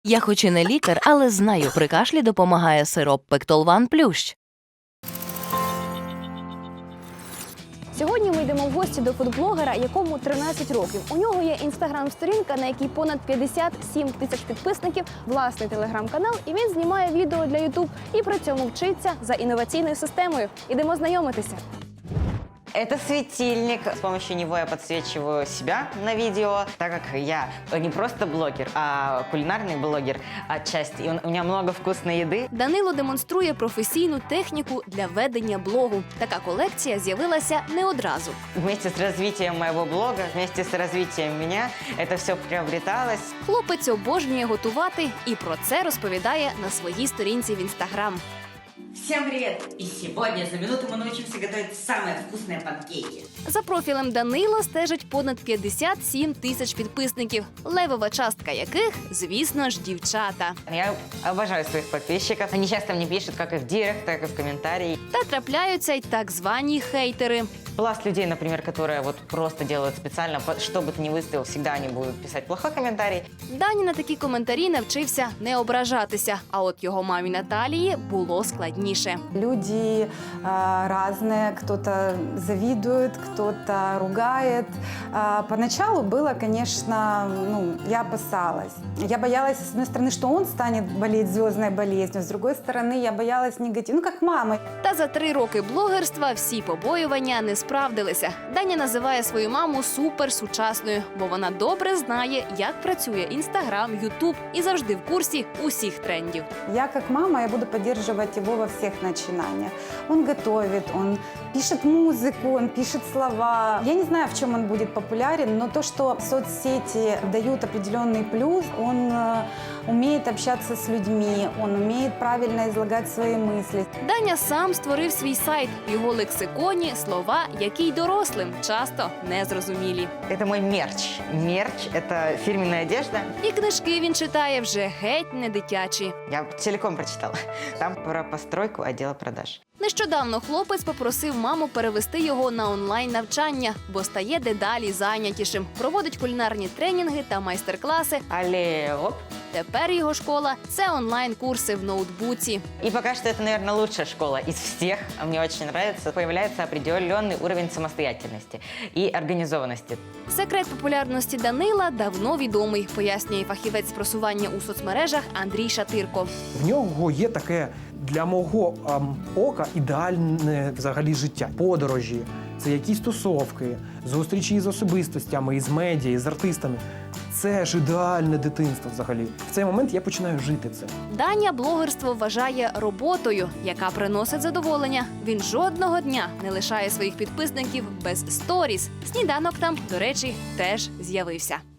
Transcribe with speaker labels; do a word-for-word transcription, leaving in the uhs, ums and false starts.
Speaker 1: Я хоч і не лікар, але знаю, при кашлі допомагає сироп Пектолван Плющ.
Speaker 2: Сьогодні ми йдемо в гості до фудблогера, якому тринадцять років. У нього є інстаграм-сторінка, на якій понад п'ятдесят сім тисяч підписників, власний телеграм-канал, і він знімає відео для ютуб і при цьому вчиться за інноваційною системою. Ідемо знайомитися.
Speaker 3: Это светильник. С помощью него я подсвечиваю себя на видео, так как я не просто блогер, а кулинарный блогер отчасти. И у меня много вкусной еды.
Speaker 2: Данило демонструє професійну техніку для ведення блогу. Така колекція з'явилася не одразу.
Speaker 3: Вместе с развитием моего блога, вместе с развитием меня, это все приобреталось.
Speaker 2: Хлопець обожнює готувати і про це розповідає на своїй сторінці в інстаграм.
Speaker 4: Всем привет! И сегодня за минуту мы научимся готовить самые вкусные панкейки.
Speaker 2: За профілем Данила стежить понад п'ятдесят сім тисяч підписників, левова частка яких, звісно ж, дівчата.
Speaker 3: Я обожаю своих подписчиков. Они часто мне пишут как и в директ, так и в комментарии.
Speaker 2: Та трапляються й так звані хейтери.
Speaker 3: Пласт людей, например, которые вот просто делают специально, что бы ты ни выставил, всегда они будут писать плохой комментарий.
Speaker 2: Дані на такі коментарі навчився не ображатися, а от його мамі Наталії було складніше.
Speaker 5: Люди э, разные, кто-то завидует, кто-то ругает. Э, поначалу было, конечно, ну, я опасалась. Я боялась, с одной стороны, что он станет болеть звездной болезнью, с другой стороны, я боялась негатива, ну, как мама.
Speaker 2: Та за три роки блогерства всі побоювання не справдилися. Даня називає свою маму суперсучасною, бо вона добре знає, як працює Інстаграм, Ютуб і завжди в курсі усіх трендів.
Speaker 5: Я, как мама, я буду поддерживать его во всех начинаниях. Он готовит, он пишет музыку, он пишет слова. Я не знаю, в чем он будет популярен, но то, что соцсети дают определенный плюс, он э, умеет общаться с людьми, он умеет правильно излагать свои мысли.
Speaker 2: Даня сам створив свій сайт. В його лексиконі слова, які й дорослим часто незрозумілі.
Speaker 3: Это мой мерч. Мерч – это фирменная одежда.
Speaker 2: І книжки він читає вже геть не дитячі.
Speaker 3: Я целиком прочитала. Там про постройку отдела продаж.
Speaker 2: Нещодавно хлопець попросив маму перевести його на онлайн-навчання, бо стає дедалі зайнятішим. Проводить кулінарні тренінги та майстер-класи.
Speaker 3: Але оп.
Speaker 2: Тепер його школа – це онлайн-курси в ноутбуці.
Speaker 3: И пока что это, наверное, лучшая школа из всех. Мне очень нравится. Появляется определенный уровень самостоятельности и организованности.
Speaker 2: Секрет популярності Данила давно відомий, пояснює фахівець з просування у соцмережах Андрій Шатирко.
Speaker 6: В нього є таке для мого ем, ока ідеальне взагалі життя. Подорожі, це якісь тусовки, зустрічі з особистостями, із медіа, з артистами. Це ж ідеальне дитинство взагалі. В цей момент я починаю жити це.
Speaker 2: Даня блогерство вважає роботою, яка приносить задоволення. Він жодного дня не лишає своїх підписників без сторіс. Сніданок там, до речі, теж з'явився.